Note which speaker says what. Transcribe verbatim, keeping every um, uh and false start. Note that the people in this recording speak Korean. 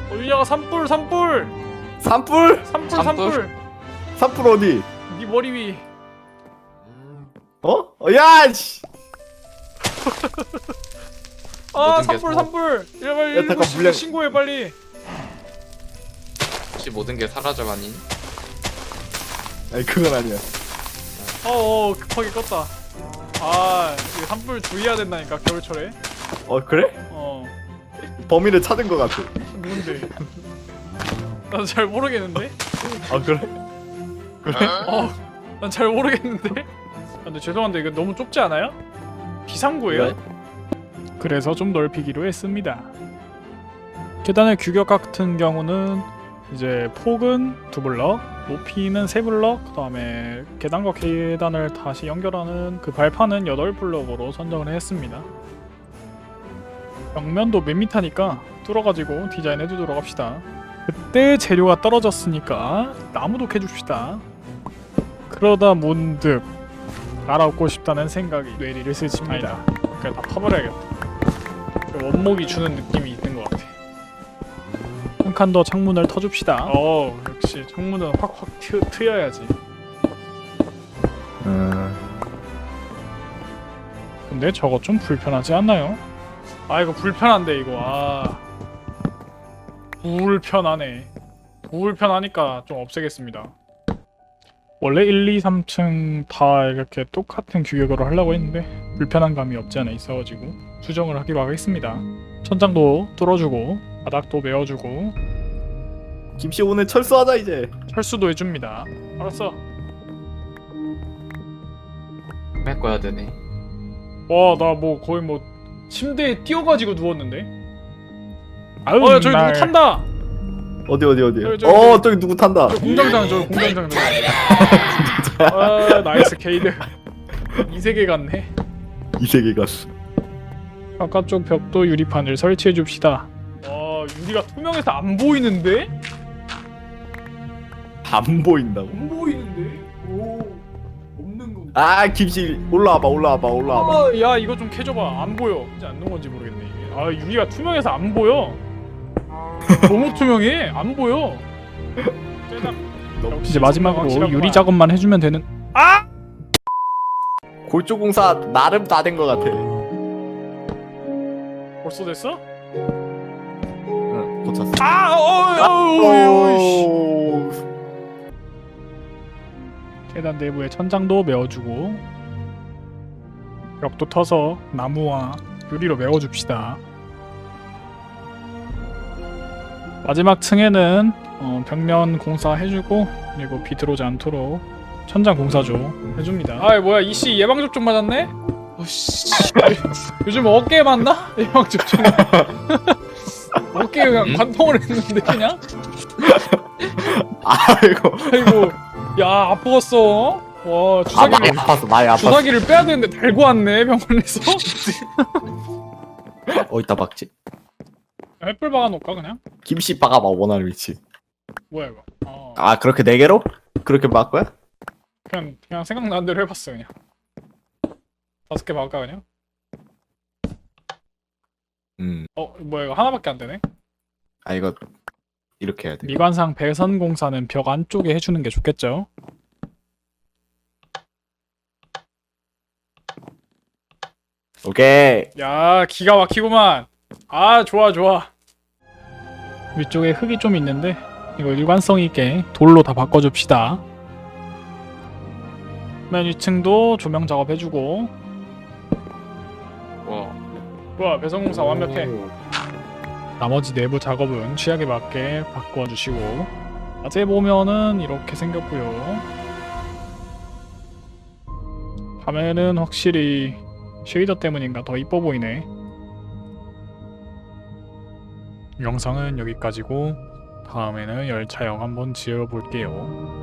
Speaker 1: 어디냐가 산불 산불
Speaker 2: 산불?
Speaker 1: 산불
Speaker 3: 산불?
Speaker 1: 산불
Speaker 2: 산불 어디?
Speaker 1: 네 머리 위.
Speaker 2: 어? 어, 야, 씨.
Speaker 1: 아
Speaker 3: 모든 게
Speaker 1: 산불
Speaker 3: 사-
Speaker 1: 산불. 야 빨리
Speaker 2: 야, 잠깐,
Speaker 1: 일곱 시
Speaker 2: 물량-
Speaker 1: 신고해 빨리.
Speaker 3: 혹시 모든 게 사라져가니?
Speaker 2: 아니 그건 아니야.
Speaker 1: 어어 급하게 껐다. 아 이거 산불 주의해야 된다니까 겨울철에.
Speaker 2: 어 그래?
Speaker 1: 어
Speaker 2: 범인을 찾은 것 같아.
Speaker 1: 누군데? 나도 잘 모르겠는데.
Speaker 2: 아 그래? 그래?
Speaker 1: 어난 잘 모르겠는데. 아, 근데 죄송한데 이거 너무 좁지 않아요? 비상구예요?
Speaker 2: 왜?
Speaker 1: 그래서 좀 넓히기로 했습니다. 계단의 규격 같은 경우는 이제 폭은 두 블럭, 높이는 세 블럭, 그 다음에 계단과 계단을 다시 연결하는 그 발판은 여덟 블럭으로 선정을 했습니다. 벽면도 몇 미터니까 뚫어가지고 디자인해두도록 합시다. 그때 재료가 떨어졌으니까 나무도 캐줍시다. 그러다 문득 알아보고 싶다는 생각이 뇌리를 스칩니다. 그냥 다 파버려야겠다. 원목이 주는 느낌이 있는 것 같아. 한 칸 더 창문을 터줍시다. 어 역시 창문은 확확 트, 트여야지.
Speaker 2: 음.
Speaker 1: 근데 저거 좀 불편하지 않나요? 아 이거 불편한데 이거 아 불편하네. 불편하니까 좀 없애겠습니다. 원래 일, 이, 삼 층 다 이렇게 똑같은 규격으로 하려고 했는데 불편한 감이 없지 않아 있어가지고 수정을 하기로 하겠습니다. 천장도 뚫어주고 바닥도 메워주고
Speaker 2: 김씨 오늘 철수하자 이제.
Speaker 1: 철수도 해줍니다. 알았어.
Speaker 3: 메꿔야 되네.
Speaker 1: 와 나 뭐 거의 뭐 침대에 뛰어가지고 누웠는데.
Speaker 2: 아유,
Speaker 1: 어 야, 저기 누구 탄다.
Speaker 2: 어디 어디 어디?
Speaker 1: 저기, 저기,
Speaker 2: 어
Speaker 1: 저기.
Speaker 2: 저기 누구 탄다.
Speaker 1: 저 공장장 저 공장장 저. 아 나이스 게이드. 이 세계 같네.
Speaker 2: 이 세계 갔어.
Speaker 1: 바깥쪽 벽도 유리판을 설치해 줍시다. 와 유리가 투명해서 안 보이는데?
Speaker 2: 안 보인다고.
Speaker 1: 안 보이는데? 오 없는 거.
Speaker 2: 아 김씨 올라와봐 올라와봐 올라와봐.
Speaker 1: 아, 야 이거 좀 캐줘봐. 안 보여. 이제 안 넣은 건지 모르겠네 이게. 아 유리가 투명해서 안 보여. 너무 투명해. 안 보여. 이제 마지막으로 유리 작업만 해주면 되는. 아!
Speaker 2: 골조공사 나름 다 된 것 같아.
Speaker 1: 벌써 됐어?
Speaker 2: 응 고쳤어.
Speaker 1: 아! 어! 어! 어! 씨. 계단 내부에 천장도 메워주고 벽도 터서 나무와 유리로 메워줍시다. 마지막 층에는 어, 벽면 공사 해주고 그리고 비 들어오지 않도록 천장 공사조 해줍니다. 아 뭐야 이씨 예방접종 맞았네? 어씨 요즘 어깨에 맞나? 예방접종 어깨에 그냥
Speaker 3: 응?
Speaker 1: 관통을 했는데 그냥?
Speaker 2: 아이고
Speaker 1: 아이고 야 아프겠어. 와
Speaker 2: 아 많이
Speaker 1: 주사기를
Speaker 2: 아팠어 많이 아팠어.
Speaker 1: 주사기를 빼야 되는데 달고 왔네 병원에서.
Speaker 2: 어디다 박지?
Speaker 1: 햇불 박아놓을까 그냥?
Speaker 2: 김씨 박아봐 원하는 위치.
Speaker 1: 뭐야 이거? 어,
Speaker 2: 아 그렇게 네 개로? 그렇게 박 거야?
Speaker 1: 그냥 그냥 생각나는 대로 해봤어 그냥. 다섯 개 박을까 그냥?
Speaker 2: 음.
Speaker 1: 어 뭐야 이거 하나밖에 안 되네?
Speaker 2: 아 이거 이렇게 해야 돼.
Speaker 1: 미관상 배선 공사는 벽 안쪽에 해주는 게 좋겠죠?
Speaker 2: 오케이.
Speaker 1: 야 기가 막히구만. 아 좋아 좋아. 위쪽에 흙이 좀 있는데 이거 일관성 있게 돌로 다 바꿔줍시다. 맨 위층도 조명 작업해주고.
Speaker 3: 와,
Speaker 1: 좋아 배선 공사 완벽해.
Speaker 2: 오.
Speaker 1: 나머지 내부 작업은 취향에 맞게 바꿔주시고 낮에 보면은 이렇게 생겼고요. 밤에는 확실히 쉐이더 때문인가 더 이뻐 보이네. 영상은 여기까지고 다음에는 열차형 한번 지어볼게요.